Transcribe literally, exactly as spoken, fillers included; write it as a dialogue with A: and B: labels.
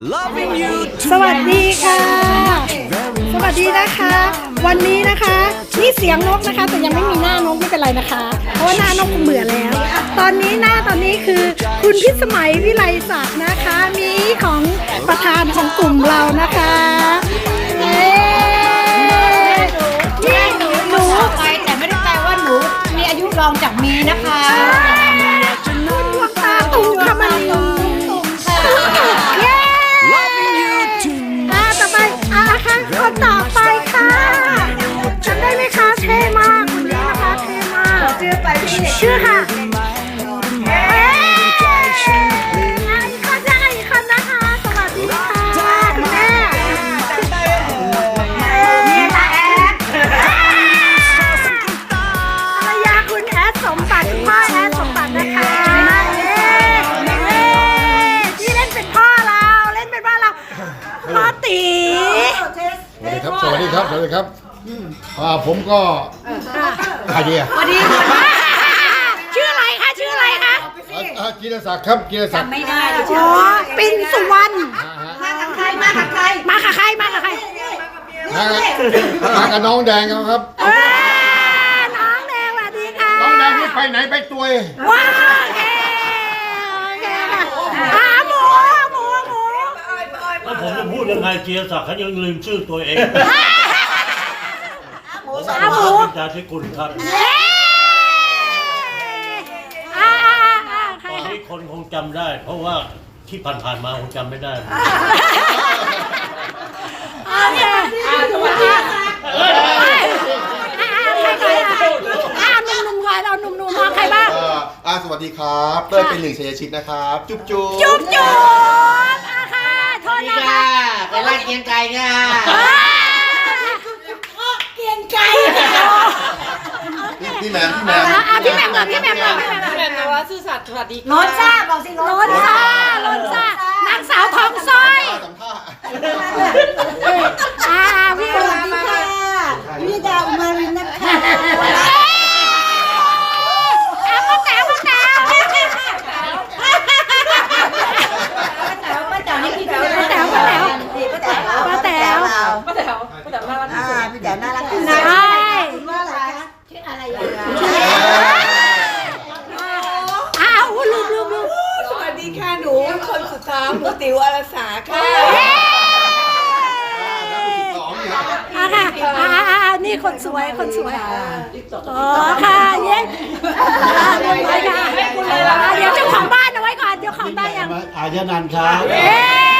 A: Loving you
B: สวัสดีค่ะ สวัสดีนะคะ วันนี้นะคะนี่เสียงนกนะคะแต่ยังไม่มีหน้านกไม่เป็นไรนะคะ เพราะว่าหน้านกคงเบื่อแล้ว ตอนนี้หน้าตอนนี้คือคุณพิสมัยวิไลศักดิ์นะคะ มีของประธานของกลุ่มเรานะคะเย้นี่หนูหนู
C: ไปแต่ไม่ได้แปลว่าหนูมีอายุรองจากมีนะคะ
B: คุณดวงตาตุ่มคำมันตุ่มเย้
A: Loving you too
B: อ่าต่อไปอ่าค่ะคนต่อไปค่ะจำได้ไหมคะเท่มากคนนี้นะคะเท่มากชื่อไปพี่ชื่อค่ะเอ๊ะอีกคนนะคะอีกคนนะคะสวัสดีค่ะคุณแม่เนี่ยนะแอดภรรยาคุณแอดสมบัติคุณพ่อแอดสมบัตินะคะเอ๊ะเอ๊ะที่เล่นเป็นพ่อเราเล่นเป็นพ่อเราพ่อตี
D: สวัสดีครับ สวัสดีครับ สวัสดีครับอ่าผมก็ใครดีอ่ะ
B: สวัสดีชื่ออะไรคะชื่ออะไรคะ
D: อ่ากีรศักดิ์ครับกีรศักดิ์
C: ไม่ได้เลย
B: อ๋อปินสุวรรณ
D: อ่าฮะ
C: มากับใครมากับใคร
B: มากับใครมากับใคร
D: มามากับน้องแดงครับ
B: เออน้องแดงสวัสดีค่ะ
D: น้องแดงนี่ไปไหนไปตัวเอง
B: ว้าวโอเคโอเคค่ะอ่าหมูหมูหมู
E: แล้วผมจะพูดยังไงเจียศักดิ์เขายังลืมชื่อตัวเอง
B: อ่าหมู
E: จาธิคุณครับ
B: เย้อ่าอ่าอ่าใคร
E: ตอน
B: คะ
E: นี้คนคงจำได้ เพราะว่าที่ผ่านๆมาคงจำไม่ได้
B: โอเคอ่าสวัสดีค่ะอ่าใครใครอ่ะอ่าหนุ่มหนุ่มก่อนเอาหนุ่มหนุ่มมาใครบ้าง
F: เอ่ออ่าสวัสดีครับเต้ยเป็นหนึ่งชัยชิตนะครับ จุ๊บจุ๊บ
B: จุ๊บจุ๊บอ่ะค่ะโทษนะคะ
C: ไปไล่เกียงไก่ค่ะ
B: เกียงไก่
F: พี่แหมมพี่แหมม
B: อ่ะพี่แหม่มก่อนพี่แหม่มก่อนพี่แหม่มก่อน
G: แม่นว่าซื่อสัตย์สวัสดี
C: โนนซ่าบอกสิโน
B: โลนซ่าโลนซ่านางสาวทองสร้อย
F: สัมภาษณ์
B: อ่าพี่
C: สวัสดีค่ะวิดาอุมารินนะคะ
B: อ่ะป้าแต๋วป้าแต๋ว
C: ป้าแต๋วนี่พี่แต๋ว
B: ป้าแต๋วป้าแต๋ว
C: ป้าแต๋ว
B: ป้าแต๋ว
G: ป้าแต๋วป้าแต๋วน่ารักที่
C: อ่า
G: สุด
C: พี่แต๋วน่ารักที่สุด
B: ใช่
C: คุณว่าอะไรคะชื่ออะไรอ่ะ
B: อ้าวลืมลืมลืม
G: สวัสดีค่ะหนูคนสุดท้ายหนูติ๋วอารสาค่ะ
F: สองเนี่ย
B: อ่ะค่ะอ่าอ่านี่คนสวยคนสวยอ๋อค่ะเย้อ่าเรียบร้อยค่ะอ่าเดี๋ยวเจ้าของบ้านเอาไว้ก่อนเจ้าของบ้านยัง
E: อายนันท์ครับ
B: เอ๊